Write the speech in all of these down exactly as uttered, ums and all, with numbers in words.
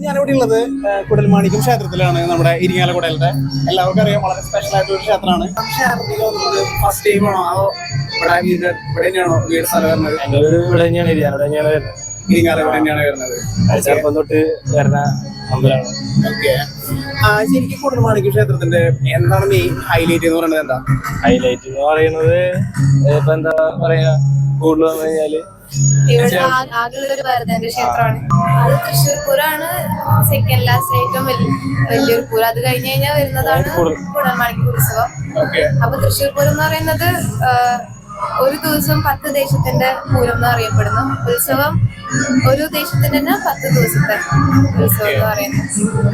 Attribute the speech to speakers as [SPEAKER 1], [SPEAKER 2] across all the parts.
[SPEAKER 1] ഞാനിവിടെ ഉള്ളത് കുടൽമാണിക്യം ക്ഷേത്രത്തിലാണ്. നമ്മുടെ ഇരിങ്ങാലക്കുടയിലത്തെ എല്ലാവർക്കും അറിയാം, വളരെ സ്പെഷ്യൽ ആയിട്ടൊരു ക്ഷേത്രമാണ്. ക്ഷേത്രത്തിൽ വന്നത് ഫസ്റ്റ് ടൈം ആണോ അതോ ഇവിടെ വീട് ഇവിടെ തന്നെയാണോ വീട് സ്ഥലം വരുന്നത്?
[SPEAKER 2] എന്റെ വീട് ഇവിടെ തന്നെയാണ്, ഇരിങ്ങാലക്കുട തന്നെയാണ് വരുന്നത്.
[SPEAKER 1] ഇരിങ്ങാലക്കുട തന്നെയാണ് വരുന്നത്.
[SPEAKER 2] ചെറുപ്പം തൊട്ട് വരുന്ന അമ്പലമാണ്.
[SPEAKER 1] ഓക്കെ. ശരിക്കും കുടൽമാണിക്യം ക്ഷേത്രത്തിന്റെ എന്താണ് മെയിൻ ഹൈലൈറ്റ് എന്ന് പറയുന്നത്? എന്താ
[SPEAKER 2] ഹൈലൈറ്റ് എന്ന് പറയുന്നത്? ഇപ്പൊ എന്താ പറയാ, കൂടുതൽ വന്നു കഴിഞ്ഞാല്
[SPEAKER 3] ഇവിടെ ആകെയുള്ള ഒരു ഭരതന്റെ ക്ഷേത്രമാണ്. അത് തൃശ്ശൂർ പൂരമാണ് സെക്കൻഡ് ലാസ്റ്റ് ഏറ്റവും വലിയൊരു പൂരം. അത് കഴിഞ്ഞ് കഴിഞ്ഞാൽ വരുന്നതാണ് കുടൽമാണിക്യം ഉത്സവം. അപ്പൊ തൃശ്ശൂർ പൂരം എന്ന് പറയുന്നത് ഒരു ദിവസം പത്ത് ദേശത്തിന്റെ പൂരം എന്ന് അറിയപ്പെടുന്നു. ഉത്സവം ഒരു ദേശത്തിന്റെ തന്നെ പത്ത് ദിവസത്തെ ഉത്സവം എന്ന് പറയുന്നത്.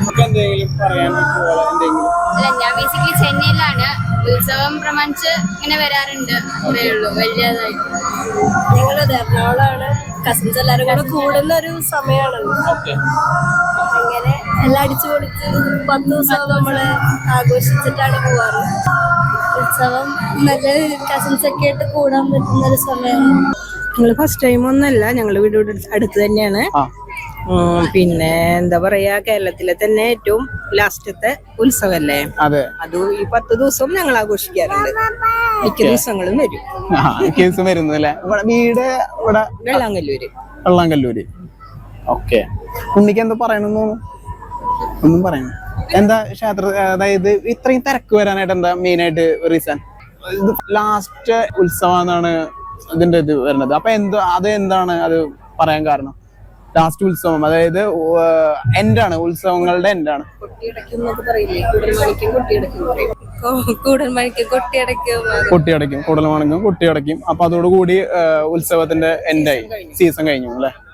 [SPEAKER 4] അല്ല, ഞാൻ ബേസിക്കലി ചെന്നൈയിലാണ്. ഉത്സവം പ്രമാണിച്ച് ഇങ്ങനെ വരാറുണ്ട്, അത്രേ ഉള്ളൂ. വലിയതായിട്ട്
[SPEAKER 3] ഞങ്ങളത് എറണാകുളമാണ്. കസിൻസ് എല്ലാരും കൂടെ കൂടുന്ന ഒരു സമയമാണല്ലോ. അങ്ങനെ എല്ലാം അടിച്ചു പൊളിച്ച് പത്ത് ദിവസം നമ്മള് ആഘോഷിച്ചിട്ടാണ് പോവാറ്. ഉത്സവം നല്ല കസിൻസ് ഒക്കെ ആയിട്ട് കൂടാൻ പറ്റുന്ന ഒരു സമയമാണ്.
[SPEAKER 5] ഞങ്ങള് ഫസ്റ്റ് ടൈം ഒന്നല്ല, ഞങ്ങള് വീട് അടുത്ത് തന്നെയാണ്. പിന്നെ എന്താ പറയാ, കേരളത്തിലെ തന്നെ ഏറ്റവും ലാസ്റ്റത്തെ ഉത്സവല്ലേ അത്. അത് ഈ പത്ത് ദിവസവും ഞങ്ങൾ ആഘോഷിക്കാറുണ്ട്. മിക്ക ദിവസങ്ങളും വരും.
[SPEAKER 1] ദിവസം വരുന്നു അല്ലേ? വീട് ഇവിടെ
[SPEAKER 5] വെള്ളാങ്കല്ലൂര്.
[SPEAKER 1] വെള്ളാങ്കല്ലൂര്. ഓക്കെ. ഉണ്ണിക്ക് എന്താ പറയണെന്ന്? ഒന്നും പറയണം. എന്താ ക്ഷേത്ര, അതായത് ഇത്രയും തിരക്ക് വരാനായിട്ട് എന്താ മെയിൻ ആയിട്ട് റീസൺ? ഇത് ലാസ്റ്റ് ഉത്സവം എന്നാണ് ഇതിന്റെ ഇത് വരുന്നത്. അപ്പൊ എന്ത് അത് എന്താണ് അത് പറയാൻ കാരണം? ലാസ്റ്റ് ഉത്സവം അതായത് എൻഡാണ്, ഉത്സവങ്ങളുടെ എൻഡാണ്. കൊട്ടിയടയ്ക്കും, കുടൽമാണിക്യം കൊട്ടിയടയ്ക്കും. അപ്പൊ അതോടുകൂടി ഉത്സവത്തിന്റെ എൻഡായി, സീസൺ കഴിഞ്ഞു അല്ലെ?